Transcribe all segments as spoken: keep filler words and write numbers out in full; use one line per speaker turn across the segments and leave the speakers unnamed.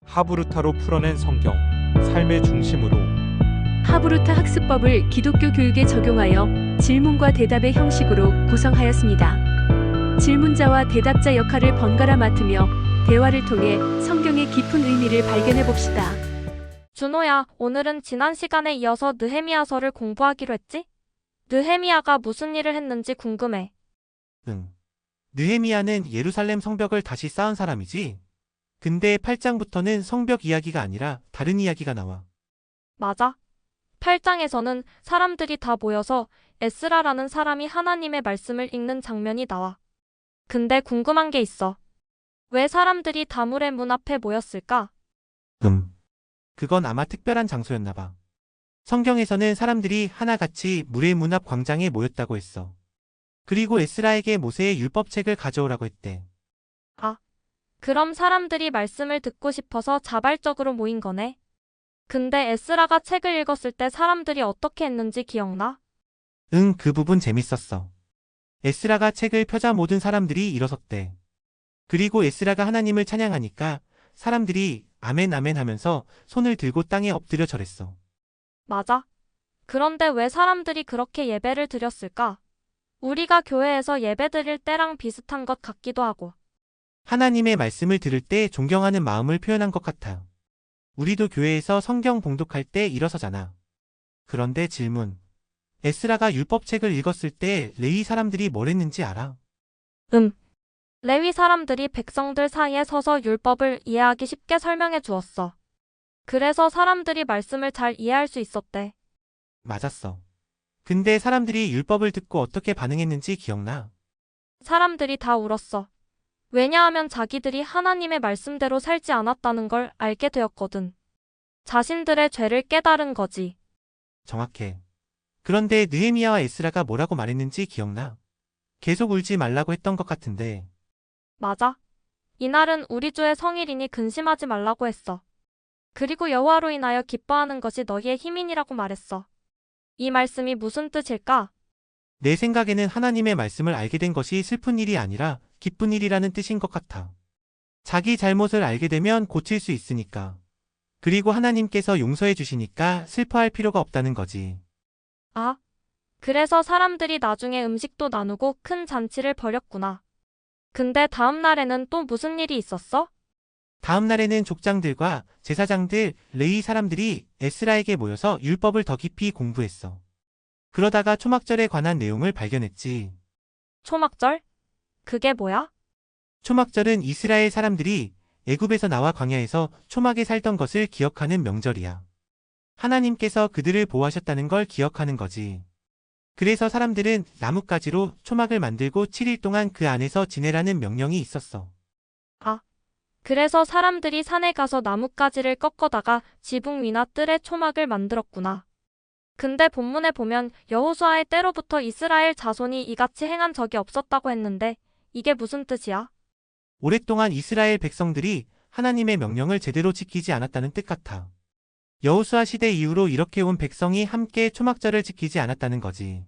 하브루타로 풀어낸 성경, 삶의 중심으로.
하브루타 학습법을 기독교 교육에 적용하여 질문과 대답의 형식으로 구성하였습니다. 질문자와 대답자 역할을 번갈아 맡으며 대화를 통해 성경의 깊은 의미를 발견해 봅시다.
준호야, 오늘은 지난 시간에 이어서 느헤미야서를 공부하기로 했지? 느헤미야가 무슨 일을 했는지 궁금해.
응. 느헤미야는 예루살렘 성벽을 다시 쌓은 사람이지? 근데 팔 장부터는 성벽 이야기가 아니라 다른 이야기가 나와.
맞아. 팔 장에서는 사람들이 다 모여서 에스라라는 사람이 하나님의 말씀을 읽는 장면이 나와. 근데 궁금한 게 있어. 왜 사람들이 다물의 문 앞에 모였을까?
음. 그건 아마 특별한 장소였나 봐. 성경에서는 사람들이 하나같이 물의 문 앞 광장에 모였다고 했어. 그리고 에스라에게 모세의 율법책을 가져오라고 했대.
아, 그럼 사람들이 말씀을 듣고 싶어서 자발적으로 모인 거네. 근데 에스라가 책을 읽었을 때 사람들이 어떻게 했는지 기억나?
응, 그 부분 재밌었어. 에스라가 책을 펴자 모든 사람들이 일어섰대. 그리고 에스라가 하나님을 찬양하니까 사람들이 아멘 아멘 하면서 손을 들고 땅에 엎드려 절했어.
맞아. 그런데 왜 사람들이 그렇게 예배를 드렸을까? 우리가 교회에서 예배 드릴 때랑 비슷한 것 같기도 하고.
하나님의 말씀을 들을 때 존경하는 마음을 표현한 것 같아요. 우리도 교회에서 성경 봉독할 때 일어서잖아. 그런데 질문. 에스라가 율법책을 읽었을 때 레위 사람들이 뭘 했는지 알아?
음. 레위 사람들이 백성들 사이에 서서 율법을 이해하기 쉽게 설명해 주었어. 그래서 사람들이 말씀을 잘 이해할 수 있었대.
맞았어. 근데 사람들이 율법을 듣고 어떻게 반응했는지 기억나?
사람들이 다 울었어. 왜냐하면 자기들이 하나님의 말씀대로 살지 않았다는 걸 알게 되었거든. 자신들의 죄를 깨달은 거지.
정확해. 그런데 느헤미야와 에스라가 뭐라고 말했는지 기억나? 계속 울지 말라고 했던 것 같은데.
맞아. 이날은 우리 주의 성일이니 근심하지 말라고 했어. 그리고 여호와로 인하여 기뻐하는 것이 너희의 힘이니라고 말했어. 이 말씀이 무슨 뜻일까?
내 생각에는 하나님의 말씀을 알게 된 것이 슬픈 일이 아니라 기쁜 일이라는 뜻인 것 같아. 자기 잘못을 알게 되면 고칠 수 있으니까. 그리고 하나님께서 용서해 주시니까 슬퍼할 필요가 없다는 거지.
아, 그래서 사람들이 나중에 음식도 나누고 큰 잔치를 벌였구나. 근데 다음 날에는 또 무슨 일이 있었어?
다음 날에는 족장들과 제사장들, 레위 사람들이 에스라에게 모여서 율법을 더 깊이 공부했어. 그러다가 초막절에 관한 내용을 발견했지.
초막절? 그게 뭐야?
초막절은 이스라엘 사람들이 애굽에서 나와 광야에서 초막에 살던 것을 기억하는 명절이야. 하나님께서 그들을 보호하셨다는 걸 기억하는 거지. 그래서 사람들은 나뭇가지로 초막을 만들고 칠 일 동안 그 안에서 지내라는 명령이 있었어.
아, 그래서 사람들이 산에 가서 나뭇가지를 꺾어다가 지붕 위나 뜰에 초막을 만들었구나. 근데 본문에 보면 여호수아의 때로부터 이스라엘 자손이 이같이 행한 적이 없었다고 했는데 이게 무슨 뜻이야?
오랫동안 이스라엘 백성들이 하나님의 명령을 제대로 지키지 않았다는 뜻 같아. 여호수아 시대 이후로 이렇게 온 백성이 함께 초막절을 지키지 않았다는 거지.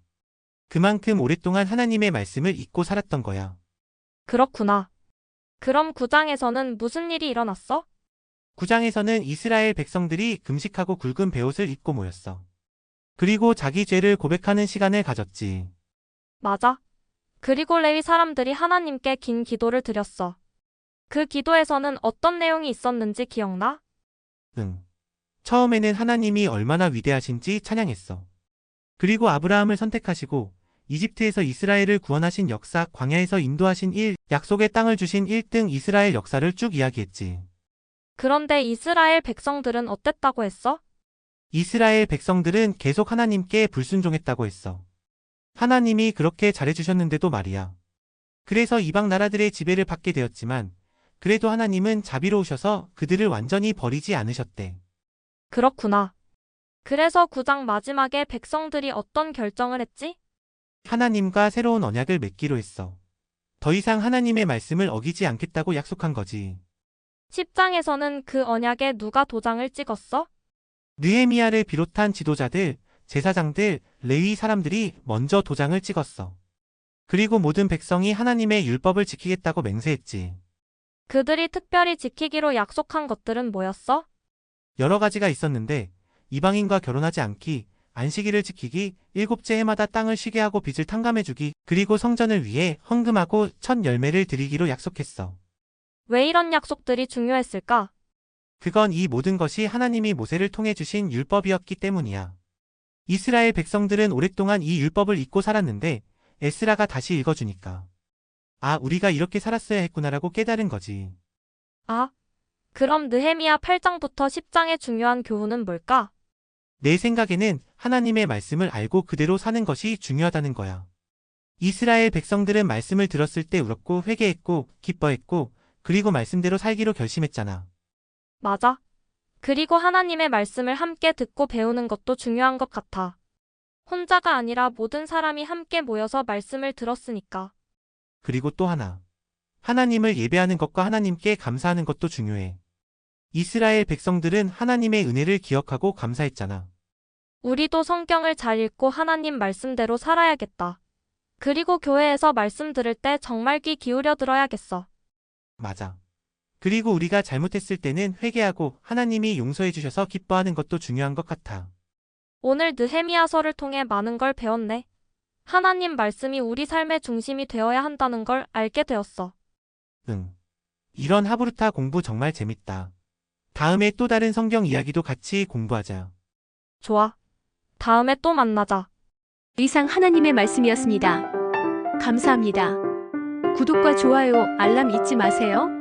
그만큼 오랫동안 하나님의 말씀을 잊고 살았던 거야.
그렇구나. 그럼 구 장에서는 무슨 일이 일어났어?
구 장에서는 이스라엘 백성들이 금식하고 굵은 베옷을 입고 모였어. 그리고 자기 죄를 고백하는 시간을 가졌지.
맞아. 그리고 레위 사람들이 하나님께 긴 기도를 드렸어. 그 기도에서는 어떤 내용이 있었는지 기억나?
응. 처음에는 하나님이 얼마나 위대하신지 찬양했어. 그리고 아브라함을 선택하시고 이집트에서 이스라엘을 구원하신 역사, 광야에서 인도하신 일, 약속의 땅을 주신 일 등 이스라엘 역사를 쭉 이야기했지.
그런데 이스라엘 백성들은 어땠다고 했어?
이스라엘 백성들은 계속 하나님께 불순종했다고 했어. 하나님이 그렇게 잘해주셨는데도 말이야. 그래서 이방 나라들의 지배를 받게 되었지만 그래도 하나님은 자비로우셔서 그들을 완전히 버리지 않으셨대.
그렇구나. 그래서 구 장 마지막에 백성들이 어떤 결정을 했지?
하나님과 새로운 언약을 맺기로 했어. 더 이상 하나님의 말씀을 어기지 않겠다고 약속한 거지.
십 장에서는 그 언약에 누가 도장을 찍었어?
느헤미야를 비롯한 지도자들, 제사장들, 레위 사람들이 먼저 도장을 찍었어. 그리고 모든 백성이 하나님의 율법을 지키겠다고 맹세했지.
그들이 특별히 지키기로 약속한 것들은 뭐였어?
여러 가지가 있었는데 이방인과 결혼하지 않기, 안식일을 지키기, 일곱째 해마다 땅을 쉬게 하고 빚을 탕감해주기, 그리고 성전을 위해 헌금하고 첫 열매를 드리기로 약속했어.
왜 이런 약속들이 중요했을까?
그건 이 모든 것이 하나님이 모세를 통해 주신 율법이었기 때문이야. 이스라엘 백성들은 오랫동안 이 율법을 잊고 살았는데 에스라가 다시 읽어주니까 아, 우리가 이렇게 살았어야 했구나라고 깨달은 거지.
아, 그럼 느헤미야 팔 장부터 십 장의 중요한 교훈은 뭘까?
내 생각에는 하나님의 말씀을 알고 그대로 사는 것이 중요하다는 거야. 이스라엘 백성들은 말씀을 들었을 때 울었고 회개했고 기뻐했고 그리고 말씀대로 살기로 결심했잖아.
맞아. 그리고 하나님의 말씀을 함께 듣고 배우는 것도 중요한 것 같아. 혼자가 아니라 모든 사람이 함께 모여서 말씀을 들었으니까.
그리고 또 하나. 하나님을 예배하는 것과 하나님께 감사하는 것도 중요해. 이스라엘 백성들은 하나님의 은혜를 기억하고 감사했잖아.
우리도 성경을 잘 읽고 하나님 말씀대로 살아야겠다. 그리고 교회에서 말씀 들을 때 정말 귀 기울여 들어야겠어.
맞아. 그리고 우리가 잘못했을 때는 회개하고 하나님이 용서해 주셔서 기뻐하는 것도 중요한 것 같아.
오늘 느헤미야서를 통해 많은 걸 배웠네. 하나님 말씀이 우리 삶의 중심이 되어야 한다는 걸 알게 되었어.
응. 이런 하브루타 공부 정말 재밌다. 다음에 또 다른 성경 이야기도 같이 공부하자.
좋아. 다음에 또 만나자.
이상 하나님의 말씀이었습니다. 감사합니다. 구독과 좋아요, 알람 잊지 마세요.